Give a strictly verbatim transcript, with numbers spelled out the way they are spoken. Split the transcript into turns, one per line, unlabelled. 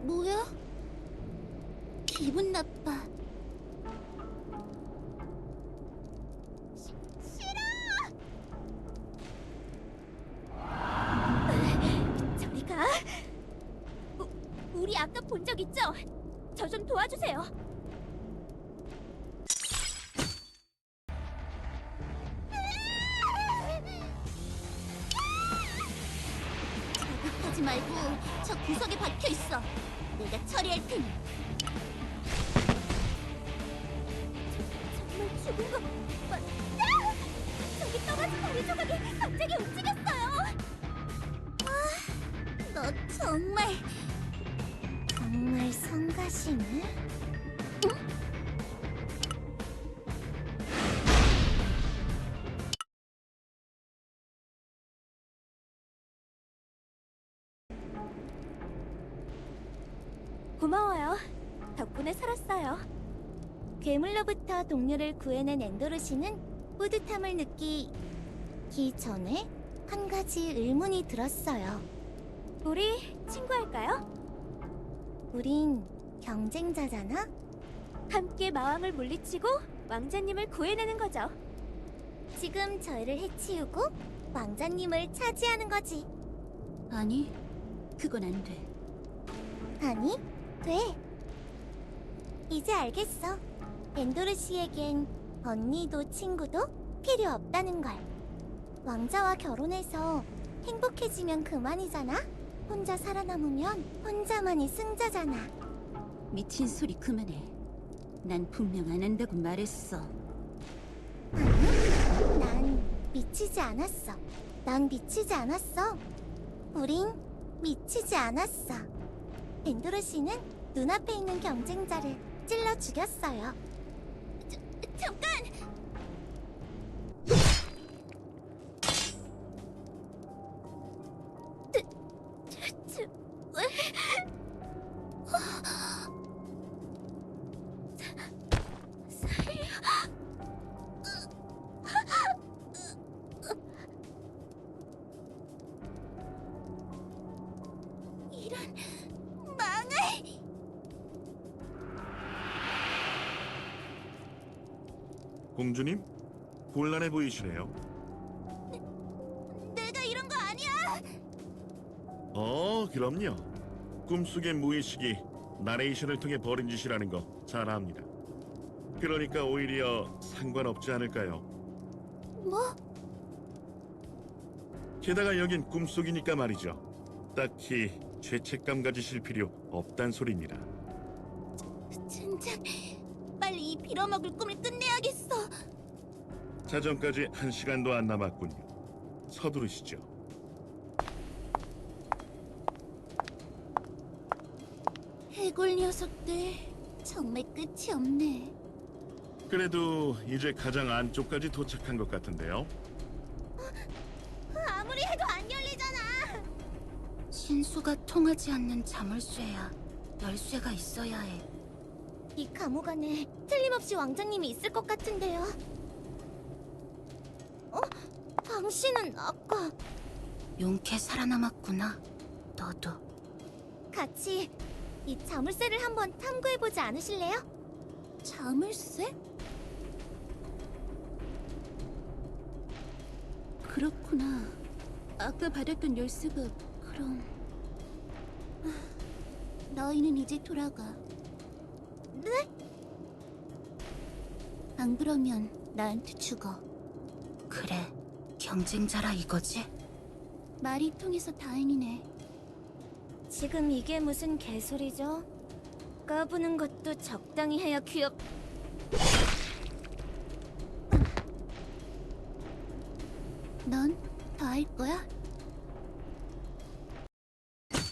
뭐야? 기분 나빠. 시, 싫어! 저리 가. 우, 우리 아까 본 적 있죠? 저 좀 도와주세요. 자극하지 말고 저 구석에 박혀 있어. 내가 처리할 테니. 저, 정말 죽은 거 맞아? 저기 떠가지 다리 조각이 갑자기 움직였어요. 아, 너 정말 정말 성가시네. 응? 고마워요. 덕분에 살았어요. 괴물로부터 동료를 구해낸 엔도르시는 뿌듯함을 느끼기 전에 한 가지 의문이 들었어요. 우리 친구할까요? 우린 경쟁자잖아? 함께 마왕을 물리치고 왕자님을 구해내는 거죠. 지금 저희를 해치우고 왕자님을 차지하는 거지. 아니, 그건 안 돼. 아니? 돼. 이제 알겠어. 엔도르 씨에겐 언니도 친구도 필요 없다는 걸. 왕자와 결혼해서 행복해지면 그만이잖아? 혼자 살아남으면 혼자만이 승자잖아.
미친 소리 그만해. 난 분명 안 한다고 말했어.
아니, 난 미치지 않았어. 난 미치지 않았어. 우린 미치지 않았어. 엔도르 씨는 눈앞에 있는 경쟁자를 찔러 죽였어요. 저, 잠깐! 저, 저, 저, 왜? 살려. 이런 망할.
공주님? 곤란해 보이시네요.
내가 이런 거 아니야.
어, 그럼요. 꿈속의 무의식이 나레이션을 통해 벌인 짓이라는 거 잘 압니다. 그러니까 오히려 상관없지 않을까요?
뭐?
게다가 여긴 꿈속이니까 말이죠. 딱히 죄책감 가지실 필요 없단 소리입니다.
젠장, 빨리 이 빌어먹을 꿈을 끝내야겠어.
자정까지 한 시간도 안 남았군요. 서두르시죠.
해골 녀석들 정말 끝이 없네.
그래도 이제 가장 안쪽까지 도착한 것 같은데요.
아무리 해도 안 열리잖아.
신수가 통하지 않는 자물쇠야. 열쇠가 있어야 해.
이 감옥 안에 틀림없이 왕자님이 있을 것 같은데요. 어? 당신은 아까
용케 살아남았구나. 너도.
같이 이 자물쇠를 한번 탐구해보지 않으실래요? 자물쇠?
그렇구나. 아까 받았던 열쇠가 그럼...
너희는 이제 돌아가. 네? 안 그러면 나한테 죽어.
그래, 경쟁자라 이거지?
말이 통해서 다행이네. 지금 이게 무슨 개소리죠? 까부는 것도 적당히 해야 귀엽... 넌 더 할 거야?